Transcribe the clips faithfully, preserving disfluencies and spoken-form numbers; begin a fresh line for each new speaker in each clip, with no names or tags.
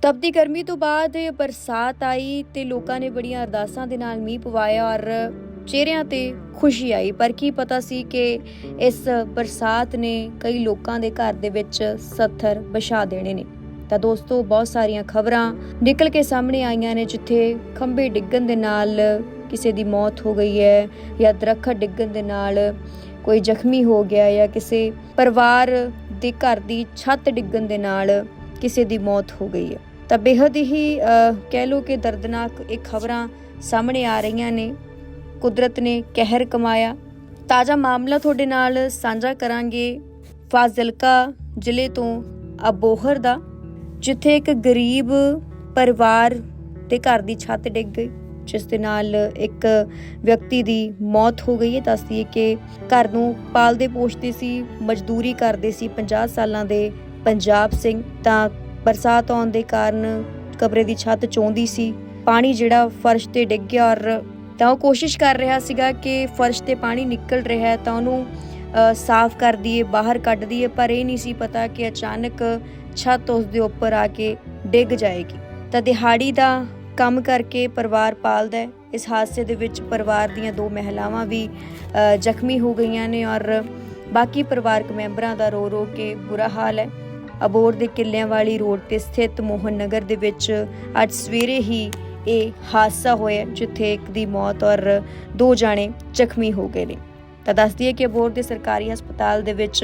ਤਪਦੀ ਗਰਮੀ ਤੋਂ ਬਾਅਦ ਬਰਸਾਤ ਆਈ ਤੇ ਲੋਕਾਂ ਨੇ ਬੜੀਆਂ ਅਰਦਾਸਾਂ ਦੇ ਨਾਲ ਮੀਂਹ ਪਵਾਇਆ ਔਰ ਚਿਹਰਿਆਂ ਤੇ ਖੁਸ਼ੀ ਆਈ। ਪਰ ਕੀ ਪਤਾ ਸੀ ਕਿ ਇਸ ਬਰਸਾਤ ਨੇ ਕਈ ਲੋਕਾਂ ਦੇ ਘਰ ਦੇ ਵਿੱਚ ਸੱਥਰ ਵਿਛਾ ਦੇਣੇ ਨੇ। ਤਾਂ ਦੋਸਤੋ, ਬਹੁਤ ਸਾਰੀਆਂ ਖਬਰਾਂ ਨਿਕਲ ਕੇ ਸਾਹਮਣੇ ਆਈਆਂ ਨੇ ਜਿੱਥੇ ਖੰਭੇ ਡਿੱਗਣ ਦੇ ਨਾਲ ਕਿਸੇ ਦੀ ਮੌਤ ਹੋ ਗਈ ਹੈ ਜਾਂ ਦਰੱਖਤ ਡਿੱਗਣ ਦੇ ਨਾਲ ਕੋਈ ਜ਼ਖਮੀ ਹੋ ਗਿਆ ਜਾਂ ਕਿਸੇ ਪਰਿਵਾਰ ਦੇ ਘਰ ਦੀ ਛੱਤ ਡਿੱਗਣ ਦੇ ਨਾਲ ਕਿਸੇ ਦੀ ਮੌਤ ਹੋ ਗਈ ਹੈ। ਤਾਂ ਬੇहद ਹੀ ਕਹਿ ਲਓ ਕਿ ਦਰਦਨਾਕ ਇਹ ਖਬਰਾਂ ਸਾਹਮਣੇ ਆ ਰਹੀਆਂ ਨੇ। ਕੁਦਰਤ ਨੇ ਕਹਿਰ ਕਮਾਇਆ। ਤਾਜ਼ਾ ਮਾਮਲਾ ਤੁਹਾਡੇ ਨਾਲ ਸਾਂਝਾ ਕਰਾਂਗੇ ਫਾਜ਼ਿਲਕਾ ਜ਼ਿਲ੍ਹੇ ਤੋਂ ਅਬੋਹਰ ਦਾ, ਜਿੱਥੇ ਇੱਕ ਗਰੀਬ ਪਰਿਵਾਰ ਦੇ ਘਰ ਦੀ ਛੱਤ ਡਿੱਗ ਗਈ, ਜਿਸ ਦੇ ਨਾਲ ਇੱਕ ਵਿਅਕਤੀ ਦੀ ਮੌਤ ਹੋ ਗਈ ਹੈ। ਦੱਸਦੀ ਹੈ ਕਿ ਘਰ ਨੂੰ ਪਾਲਦੇ ਪੋਸ਼ਦੇ ਸੀ, ਮਜ਼ਦੂਰੀ ਕਰਦੇ ਸੀ ਪੰਜਾਹ ਸਾਲਾਂ ਦੇ ਪੰਜਾਬ ਸਿੰਘ। ਤਾਂ ਬਰਸਾਤ ਆਉਣ ਦੇ ਕਾਰਨ ਕਮਰੇ ਦੀ ਛੱਤ ਚੋਂਦੀ ਸੀ, ਪਾਣੀ ਜਿਹੜਾ ਫਰਸ਼ ਤੇ ਡਿੱਗ ਗਿਆ ਔਰ ਤਾਂ ਉਹ ਕੋਸ਼ਿਸ਼ ਕਰ ਰਿਹਾ ਸੀਗਾ ਕਿ ਫਰਸ਼ ਤੇ ਪਾਣੀ ਨਿਕਲ ਰਿਹਾ ਹੈ ਤਾਂ ਉਹਨੂੰ ਸਾਫ਼ ਕਰ ਦਈਏ, ਬਾਹਰ ਕੱਢ ਦਈਏ। ਪਰ ਇਹ ਨਹੀਂ ਸੀ ਪਤਾ ਕਿ ਅਚਾਨਕ ਛੱਤ ਉਸ ਦੇ ਉੱਪਰ ਆ ਕੇ ਡਿੱਗ ਜਾਏਗੀ। ਤਾਂ ਦਿਹਾੜੀ ਦਾ ਕੰਮ ਕਰਕੇ ਪਰਿਵਾਰ ਪਾਲਦਾ ਹੈ। ਇਸ ਹਾਦਸੇ ਦੇ ਵਿੱਚ ਪਰਿਵਾਰ ਦੀਆਂ ਦੋ ਮਹਿਲਾਵਾਂ ਵੀ ਜ਼ਖਮੀ ਹੋ ਗਈਆਂ ਨੇ ਔਰ ਬਾਕੀ ਪਰਿਵਾਰਕ ਮੈਂਬਰਾਂ ਦਾ ਰੋ ਰੋ ਕੇ ਬੁਰਾ ਹਾਲ ਹੈ। ਅਬੋਹਰ ਦੇ ਕਿੱਲਿਆਂ ਵਾਲੀ ਰੋਡ ਤੇ ਸਥਿਤ ਮੋਹਨ ਨਗਰ ਦੇ ਵਿੱਚ ਅੱਜ ਸਵੇਰੇ ਹੀ ਇਹ ਹਾਦਸਾ ਹੋਇਆ, ਜਿੱਥੇ ਇੱਕ ਦੀ ਮੌਤ ਔਰ ਦੋ ਜਾਣੇ ਜ਼ਖਮੀ ਹੋ ਗਏ ਨੇ। ਤਾਂ ਦੱਸਦੀ ਹੈ ਕਿ ਅਬੋਹਰ ਦੇ ਸਰਕਾਰੀ ਹਸਪਤਾਲ ਦੇ ਵਿੱਚ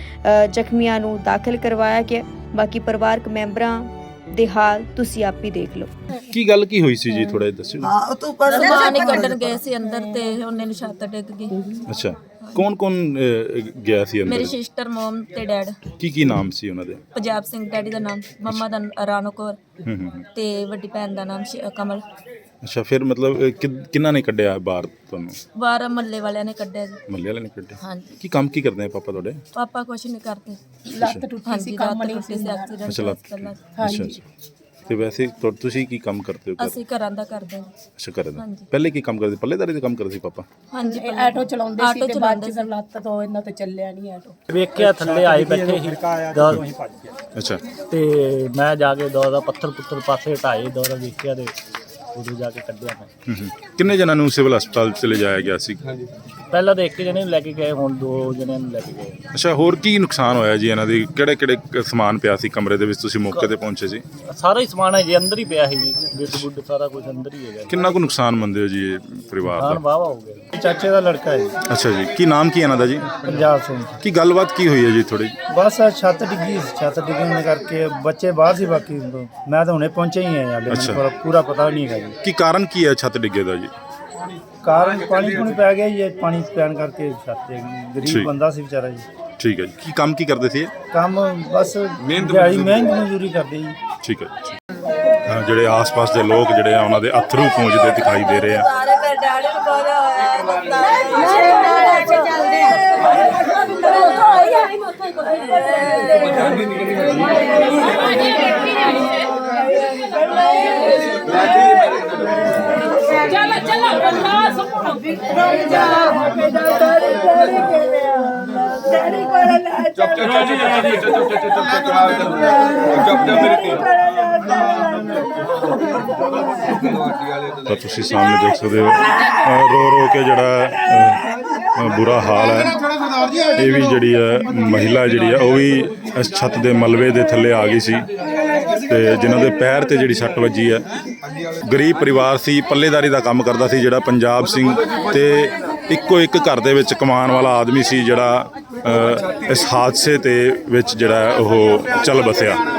ਜ਼ਖਮੀਆਂ ਨੂੰ ਦਾਖਲ ਕਰਵਾਇਆ ਗਿਆ। ਬਾਕੀ ਪਰਿਵਾਰਕ ਮੈਂਬਰਾਂ ਦੇ ਹਾਲ ਤੁਸੀਂ ਆਪ ਹੀ ਦੇਖ ਲਓ।
ਕੀ ਗੱਲ ਕੀ ਹੋਈ ਸੀ ਜੀ, ਥੋੜਾ ਜਿਹਾ ਦੱਸਿਓ।
ਹਾਂ, ਤੂੰ ਪਰ
ਸਮਾਨ ਹੀ ਕੱਢਣ ਗਏ ਸੀ ਅੰਦਰ ਤੇ ਉਹਨੇ ਨੂੰ ਛੱਤ ਡਿੱਗ ਗਈ।
ਅੱਛਾ, ਕੌਣ ਕੌਣ ਗਿਆ ਸੀ ਅੰਦਰ?
ਮੇਰੀ ਸਿਸਟਰ, ਮਮ ਤੇ ਡੈਡ।
ਕੀ ਕੀ ਨਾਮ ਸੀ ਉਹਨਾਂ ਦੇ?
ਪੰਜਾਬ ਸਿੰਘ ਡੈਡੀ ਦਾ ਨਾਮ, ਮੰਮਾ ਦਾ ਰਾਣੋ ਕੌਰ
ਹੂੰ ਹੂੰ
ਤੇ ਵੱਡੀ ਭੈਣ ਦਾ ਨਾਮ ਸ਼- ਕਮਲ।
ਅੱਛਾ, ਫਿਰ ਮਤਲਬ ਕਿ- ਕਿਹਨਾਂ ਨੇ ਕੱਢਿਆ ਬਾਹਰ ਤੁਹਾਨੂੰ?
ਬਾਹਰ ਮੱਲੇ ਵਾਲਿਆਂ ਨੇ ਕੱਢਿਆ ਜੀ।
ਮੱਲੇ ਵਾਲੇ ਨੇ ਕੱਢਿਆ?
ਹਾਂਜੀ।
ਕੀ ਕੰਮ ਕੀ ਕਰਦੇ ਆ ਪਾਪਾ ਤੁਹਾਡੇ?
ਪਾਪਾ ਕੁਛ ਨਹੀਂ ਕਰਦੇ।
ਲੱਤ ਟੁੱਟੀ ਸੀ, ਕੰਮ ਨਹੀਂ ਸੀ।
ਐਕਸੀਡੈਂਟ
ਅੱਛਾ, ਲੱਤ।
ਪਹਿਲਾਂ
ਅੱਛਾ ਅੱਛਾ। ਤੇ ਵੈਸੇ ਤੁ- ਤੁਸੀਂ ਕੀ ਕੰਮ ਕਰਦੇ ਹੋ ਘਰ?
ਅਸੀਂ ਘਰਾਂ ਦਾ ਕਰਦੇ ਹਾਂ।
ਅੱਛਾ, ਘਰ ਦਾ।
ਹਾਂਜੀ।
ਪਹਿਲੇ ਕੀ ਕੰਮ ਕਰਦੇ? ਪੱਲੇਦਾਰੀ ਦਾ ਕੰਮ ਕਰਦੇ ਸੀ ਪਾਪਾ?
ਹਾਂਜੀ,
ਇਹ ਆਟੋ ਚਲਾਉਂਦੇ ਸੀ
ਆਟੋ
ਤੇ ਬਾਅਦ ਚ ਲੱਤ ਤੋਂ ਇਹਨਾਂ ਤੋਂ ਚੱਲਿਆ ਨਹੀਂ ਆਟੋ।
ਵੇਖਿਆ ਥੱਲੇ ਆਏ ਬੈਠੇ ਸੀ ਦੌਰ
ਅੱਛਾ।
ਤੇ ਮੈਂ ਜਾ ਕੇ ਦੌਰ ਦਾ ਪੱਥਰ ਪੁੱਤਰ ਪਾਸੇ ਹਟਾਏ, ਦੌਰ ਵੇਖਿਆ ਤੇ ਉਦੋਂ ਜਾ ਕੇ ਕੱਢਿਆ ਮੈਂ।
ਹੂੰ ਹੂੰ। ਕਿੰਨੇ ਜਣਾਂ ਨੂੰ ਸਿਵਲ ਹਸਪਤਾਲ ਚ ਲਿਜਾਇਆ ਗਿਆ ਸੀ?
ਪਹਿਲਾਂ ਤਾਂ ਇੱਕ ਜਣੇ ਨੂੰ ਲੈ ਕੇ ਗਏ, ਹੁਣ ਦੋ ਜਣਿਆਂ ਨੂੰ ਲੈ ਕੇ ਗਏ।
ਅੱਛਾ, ਹੋਰ ਕੀ ਨੁਕਸਾਨ ਹੋਇਆ ਜੀ ਇਹਨਾਂ ਦੀ? ਕਿਹੜੇ ਕਿਹੜੇ ਸਮਾਨ ਪਿਆ ਸੀ ਕਮਰੇ ਦੇ ਵਿੱਚ? ਤੁਸੀਂ ਮੌਕੇ ਤੇ ਪਹੁੰਚੇ ਸੀ?
ਸਾਰਾ ਹੀ ਸਮਾਨ ਹੈ ਜੀ ਅੰਦਰ ਹੀ ਪਿਆ ਸੀ ਜੀ, ਬਿੱਟ ਬੁੱਡ ਸਾਰਾ ਕੁਝ ਅੰਦਰ ਹੀ ਹੈਗਾ ਜੀ।
ਕਿੰਨਾ ਕੁ ਨੁਕਸਾਨ ਮੰਨਦੇ ਹੋ ਜੀ ਇਹ ਪਰਿਵਾਰ
ਖਾਣ
ਦਾ?
ਵਾਵਾ ਹੋ ਗਿਆ ਜੀ। ਚਾਚੇ ਦਾ ਲੜਕਾ ਹੈ ਜੀ,
ਅੱਛਾ ਜੀ, ਕੀ ਨਾਮ ਕੀ ਇਹਨਾਂ ਦਾ ਜੀ?
ਪੰਜਾਬ ਸਿੰਘ।
ਕੀ ਗੱਲਬਾਤ ਕੀ ਹੋਈ ਹੈ ਜੀ ਥੋੜੀ?
ਬਸ ਆਹ ਛੱਤ ਡਿੱਗੀ, ਛੱਤ ਡਿੱਗਣ ਕਰਕੇ ਬੱਚੇ ਬਾਹਰ ਸੀ, ਬਾਕੀ ਮੈਂ ਤਾਂ ਹੁਣੇ ਪਹੁੰਚਿਆ ਹੀ ਹਾਂ, ਹਾਲੇ
ਅੱਛਾ।
ਮੈਨੂੰ ਪੂਰਾ ਪਤਾ ਨਹੀਂ ਹੈਗਾ ਜੀ।
ਕੀ ਕਾਰਨ ਕੀ ਹੈ ਛੱਤ ਡਿੱਗੇ ਦਾ ਜੀ?
ਕਾਰਨ ਪਾਣੀ ਪੂਣੀ ਪੈ ਗਿਆ ਜੀ, ਇਹ ਪਾਣੀ ਪੈਣ ਕਰਕੇ ਛੱਤ ਡਿੱਗ ਗਈ।
ਠੀਕ।
ਗਰੀਬ ਬੰਦਾ ਸੀ ਵਿਚਾਰਾ ਜੀ।
ਠੀਕ ਹੈ ਜੀ। ਕੀ ਕੰਮ ਕੀ ਕਰਦੇ ਸੀ ਇਹ?
ਕੰਮ ਬਸ
ਮਿਹਨਤ
ਦਿਹਾੜੀ ਮਿਹਨਤ ਮਜ਼ਦੂਰੀ ਕਰਦੇ ਜੀ।
ਠੀਕ ਹੈ ਜੀ। ਅਹ ਜਿਹੜੇ ਆਸ-ਪਾਸ ਦੇ ਲੋਕ ਜਿਹੜੇ ਆ ਉਹਨਾਂ ਦੇ ਅਥਰੂ ਪੂੰਝਦੇ ਦਿਖਾਈ ਦੇ ਰਹੇ ਆ।
ਸਾਰੇ ਮੇਰੇ ਡੈਡੀ ਨੂੰ ਬੋਲਿਆ ਹੋਇਆ
चलो चलो बर्दाश्त
ਤਾਂ ਤੁਸੀਂ ਸਾਹਮਣੇ ਦੇਖ ਸਕਦੇ ਹੋ ਅਹ ਰੋ ਰੋ ਕੇ ਜਿਹੜਾ ਅਹ, ਬੁਰਾ ਹਾਲ ਹੈ। ਇਹ ਵੀ ਜਿਹੜੀ ਹੈ ਮਹਿਲਾ ਜਿਹੜੀ ਹੈ ਉਹ ਵੀ ਇਸ ਛੱਤ ਦੇ ਮਲਬੇ ਦੇ ਥੱਲੇ ਆ ਗਈ ਸੀ ਤੇ ਜਿਨ੍ਹਾਂ ਦੇ ਪੈਰ ਤੇ ਜਿਹੜੀ ਸੱਟ ਵੱਜੀ ਹੈ। ਗਰੀਬ ਪਰਿਵਾਰ ਸੀ, ਪੱਲੇਦਾਰੀ ਦਾ ਕੰਮ ਕਰਦਾ ਸੀ ਜਿਹੜਾ ਪੰਜਾਬ ਸਿੰਘ, ਤੇ ਇੱਕੋ ਇੱਕ ਘਰ ਦੇ ਵਿੱਚ ਕਮਾਉਣ ਵਾਲਾ ਆਦਮੀ ਸੀ ਜਿਹੜਾ ਅਹ, ਇਸ ਹਾਦਸੇ ਤੇ ਵਿੱਚ ਜਿਹੜਾ ਉਹ ਚੱਲ ਬਸਿਆ।